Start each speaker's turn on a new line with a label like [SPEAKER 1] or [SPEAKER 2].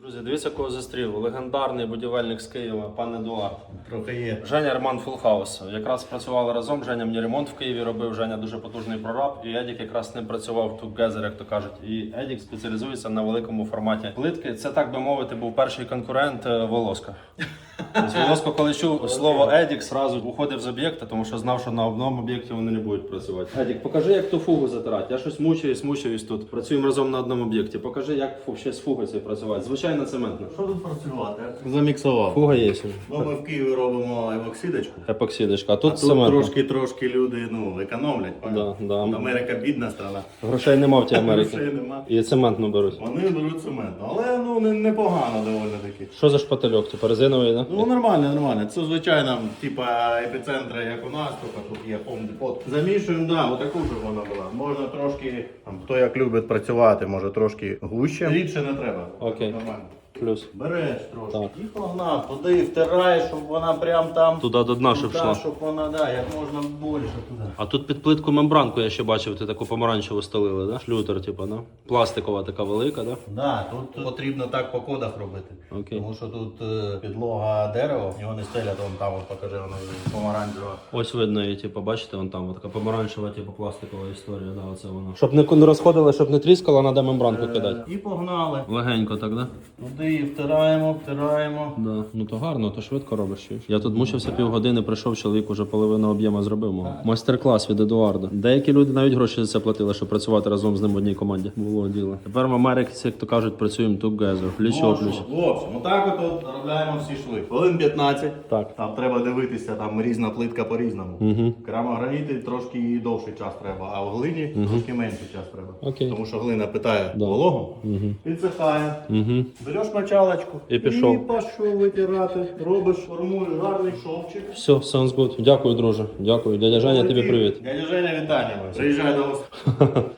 [SPEAKER 1] Друзі, дивіться, кого зустрів. Легендарний будівельник з Києва, пан Едуард.
[SPEAKER 2] Трохи є.
[SPEAKER 1] Женя Ремонт Фулхаус. Якраз працювали разом. Женя мені ремонт в Києві робив. Женя дуже потужний прораб. І Едік якраз з ним працював together, як то кажуть. І Едік спеціалізується на великому форматі плитки. Це, так би мовити, був перший конкурент Волоска. Тобто Волоско, коли чув слово Едік, зразу уходив з об'єкта, тому що знав, що на одному об'єкті вони не будуть працювати. Едік, покажи, як ту фугу затирати. Я щось мучаюсь тут. Працюємо разом на одному об'єкті. Покажи, як ще з фугою цією працювати. Звичайно, цементно.
[SPEAKER 2] Що тут працювати? Заміксував.
[SPEAKER 1] Фуга є.
[SPEAKER 2] Ну, ми в Києві робимо епоксидочку.
[SPEAKER 1] Епоксидочка. А тут
[SPEAKER 2] Тут
[SPEAKER 1] цементно.
[SPEAKER 2] трошки люди економлять.
[SPEAKER 1] Да.
[SPEAKER 2] Америка бідна страна.
[SPEAKER 1] Грошей нема в тій Америці.
[SPEAKER 2] Грошей нема.
[SPEAKER 1] І цементну беруть.
[SPEAKER 2] Вони беруть цементно. Але непогано доволі таки.
[SPEAKER 1] Що за шпательок? Типу резиновий, да?
[SPEAKER 2] Ну нормально. Це звичайно, типа епіцентри, як у нас, тільки тут є помдепот. Замішуємо, да, отаку, щоб вона була. Можна трошки, хто як любить працювати, може трошки гуще. Рідше не треба.
[SPEAKER 1] Окей.
[SPEAKER 2] Нормально.
[SPEAKER 1] Плюс.
[SPEAKER 2] Береш трошки
[SPEAKER 1] Так.
[SPEAKER 2] і погнав, туди втираєш, щоб вона прям там
[SPEAKER 1] Туди до дна, щоб
[SPEAKER 2] туди,
[SPEAKER 1] йшла.
[SPEAKER 2] щоб вона, да, як можна більше туди.
[SPEAKER 1] А тут під плитку мембранку я ще бачив, ти таку помаранчеву стелили, да? Шлютер, типу, да? Пластикова така велика, да?
[SPEAKER 2] Да, тут потрібно так по кодах робити.
[SPEAKER 1] Окей.
[SPEAKER 2] Тому що тут підлога дерева, його не стелять, вон там от покажи, вона помаранчева.
[SPEAKER 1] Ось видно її, типу, бачите, вон там така помаранчева, типу, пластикова історія, да, оце вона. Щоб не розходили, щоб не тріскало, треба мембранку кидати.
[SPEAKER 2] І погнали.
[SPEAKER 1] Легенько так, да?
[SPEAKER 2] Туди втираємо.
[SPEAKER 1] Да. Ну то гарно, то швидко робиш. Чуєш? Я тут мучився півгодини, прийшов чоловік, уже половину об'єму зробив мого. Майстер-клас від Едуарда. Деякі люди навіть гроші за це платили, щоб працювати разом з ним в одній команді. Було діло. Тепер в Америці, як то кажуть, працюємо together, пліч-о-пліч.
[SPEAKER 2] В общем, отак от заробляємо всі шви. Хвилин 15.
[SPEAKER 1] Так.
[SPEAKER 2] Там треба дивитися, там різна плитка по-різному.
[SPEAKER 1] Угу.
[SPEAKER 2] Керамограніти трошки довший час треба, а в глині трошки менший час треба.
[SPEAKER 1] Окей.
[SPEAKER 2] Тому що глина питає
[SPEAKER 1] Да.
[SPEAKER 2] вологу,
[SPEAKER 1] Угу.
[SPEAKER 2] підсихає.
[SPEAKER 1] Угу.
[SPEAKER 2] Береш мочалочку
[SPEAKER 1] І пішов.
[SPEAKER 2] і пішов витирати. Робиш, формуєш гарний шовчик.
[SPEAKER 1] Все, sounds good. Дякую, друже. Дякую. Дядя Женя, тобі привіт.
[SPEAKER 2] Дядя Женя, вітання. Приїжджай до вас.